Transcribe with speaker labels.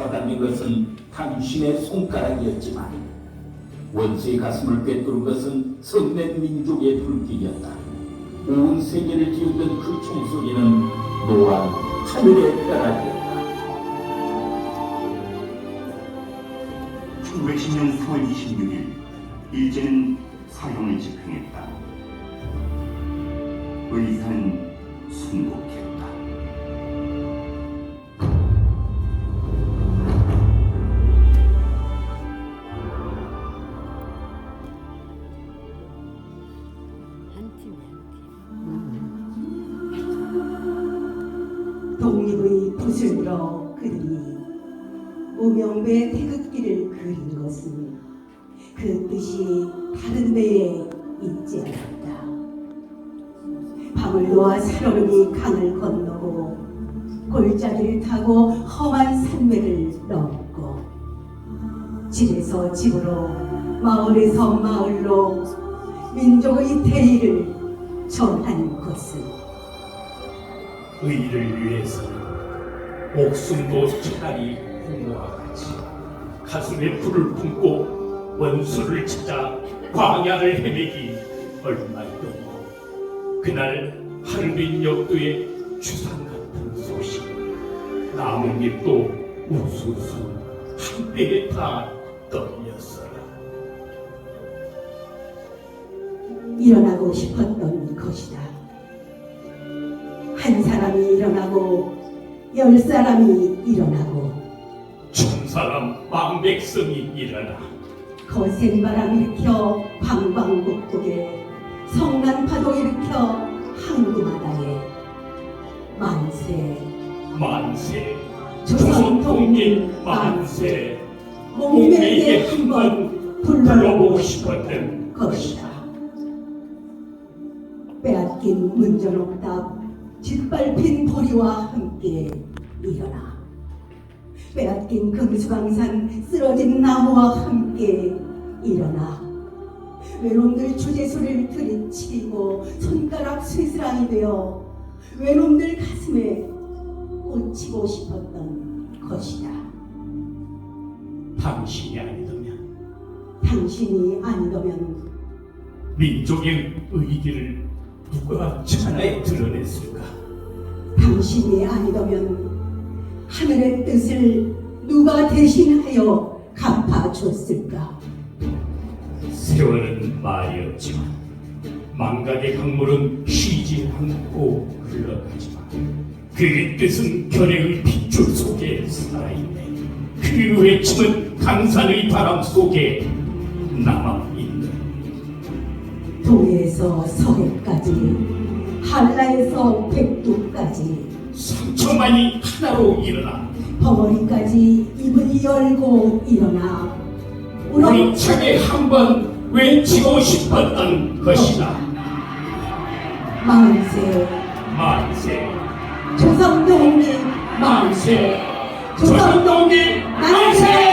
Speaker 1: 잡아당긴 것은 당신의 손가락이었지만 원수의 가슴을 꿰뚫은 것은 성낸 민족의 불길이었다. 온 세계를 기울던 그 총소리는 노란 하늘의 벼락이었다.
Speaker 2: 1910년 4월 26일 일제는 사형을 집행했다. 의사는 순복했다.
Speaker 3: 독립의 붓을 들어 그들이 우명배 태극기를 그린 것은 그 뜻이 다른 데에 있지 않았다. 밤을 놓아 살얼음이 강을 건너고 골짜기를 타고 험한 산맥을 넘고 집에서 집으로 마을에서 마을로 민족의 대의를 전한 것은
Speaker 4: 의를 위해서는 목숨도 차라리 공모와 같이 가슴에 불을 품고 원수를 찾아 광야를 헤매기 얼마이도 그날 하루빈 역도의 주상 같은 소식 나뭇잎도 우수수 한때에 다 떨렸어라.
Speaker 3: 일어나고 싶었던 것이다. 한 사람이 일어나고 10사람이 일어나고
Speaker 4: 천사람 망백성이 일어나
Speaker 3: 거센 바람 일으켜 방방곡곡에 성난 파도 일으켜 항구바다에 만세
Speaker 4: 만세
Speaker 3: 조선
Speaker 4: 통일 만세
Speaker 3: 목매에게 한번 불러보고
Speaker 4: 싶었던
Speaker 3: 것이다. 빼앗긴 문전옥답 짓밟힌 보리와 함께 일어나 빼앗긴 금수강산 쓰러진 나무와 함께 일어나 외놈들 주제소리를 들이치고 손가락 쇠스랑이 되어 외놈들 가슴에 꽂히고 싶었던 것이다.
Speaker 4: 당신이 아니더면
Speaker 3: 당신이 아니더면
Speaker 4: 민족의 의기를 누가 천하에 드러냈을까?
Speaker 3: 당신이 아니더면 하늘의 뜻을 누가 대신하여 갚아줬을까?
Speaker 4: 세월은 말이 없지만 망각의 강물은 쉬지 않고 흘러가지만 그 뜻은 결의의 핏줄 속에 살아있네. 그 외침은 강산의 바람 속에 남아있네.
Speaker 3: 동해에서 서해까지 한라에서 백두까지
Speaker 4: 상처만이 하나로 일어나
Speaker 3: 벙어리까지 입을 열고 일어나
Speaker 4: 우렁차게 한번 외치고 싶었던 것이다.
Speaker 3: 만세
Speaker 4: 만세
Speaker 3: 조선독립
Speaker 4: 만세 조선독립 만세.